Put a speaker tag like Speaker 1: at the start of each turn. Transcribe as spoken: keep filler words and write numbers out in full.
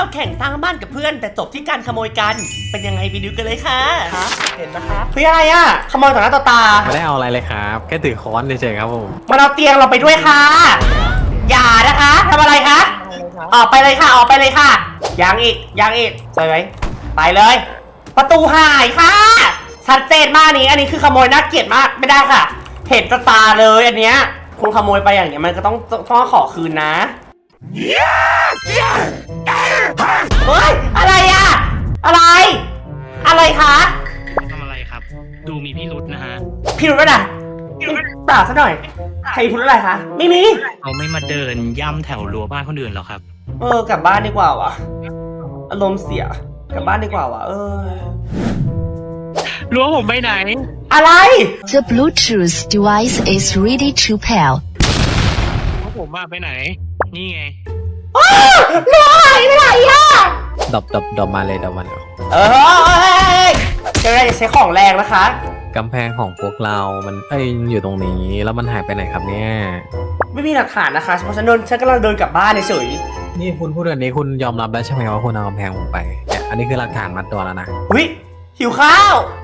Speaker 1: เราแข่งสร้างบ้านกับเพื่อนแต่จบที่การขโมยกันเป็นยังไงไปดูกันเลยค่ะครับเห็นนะครับเฮ้ยอะไรอ่ะขโมยต่อหน้าต่อตา
Speaker 2: ไม่ได้เอาอะไรเลยครับแค่ถือค้อนเฉยๆครับผม
Speaker 1: มาเอาเตียงเราไปด้วยค่ะอย่านะคะทำอะไรคะออกไปเลยค่ะออกไปเลยค่ะยังอีกยังอีกไปไหมไปเลยประตูหายค่ะชัดเจนมากนี้อันนี้คือขโมยน่าเกลียดมากไม่ได้ค่ะเห็นตาเลยอันเนี้ยคุณขโมยไปอย่างเงี้ยมันก็ต้องต้องขอคืนนะเฮ้ยอะไรอะอะไรอะไรคะ
Speaker 3: ทำอะไรครับดูมีพิรุธนะฮะ
Speaker 1: พิรุธอะไรเปล่าซะหน่อยใครพิรุธอะไรคะไม่มี
Speaker 3: เขาไม่มาเดินย่ำแถวรั้วบ้านคนอื่นหรอครับ
Speaker 1: เออกลับบ้านดีกว่าวะอารมณ์เสียกลับบ้านดีกว่าวะเออ
Speaker 3: รั้วผมไปไหน
Speaker 1: อะไร
Speaker 4: The Bluetooth device is ready to pair
Speaker 3: รั้วผมมาไปไหนนี่ไง
Speaker 1: รั้วหายไปไหนอะ
Speaker 2: ดบดบดบมาเลยดบมาเลย
Speaker 1: เออจะได้ใช้ของแรงนะคะ
Speaker 2: กำแพงของพวกเรา มันเอ้ยอยู่ตรงนี้แล้วมันหายไปไหนครับเนี่ย
Speaker 1: ไม่มีหลักฐานนะคะเพราะฉันเดินฉันกำลังเดินกลับบ้านเฉย
Speaker 2: นี่คุณพูดแบบนี้คุณยอมรับแล้วใช่ไหมว่าคุณเอากำแพงผมไปเนี่ยอันนี้คือหลักฐานมัดตัวแล้วนะ
Speaker 1: อุ๊ยหิวข้าว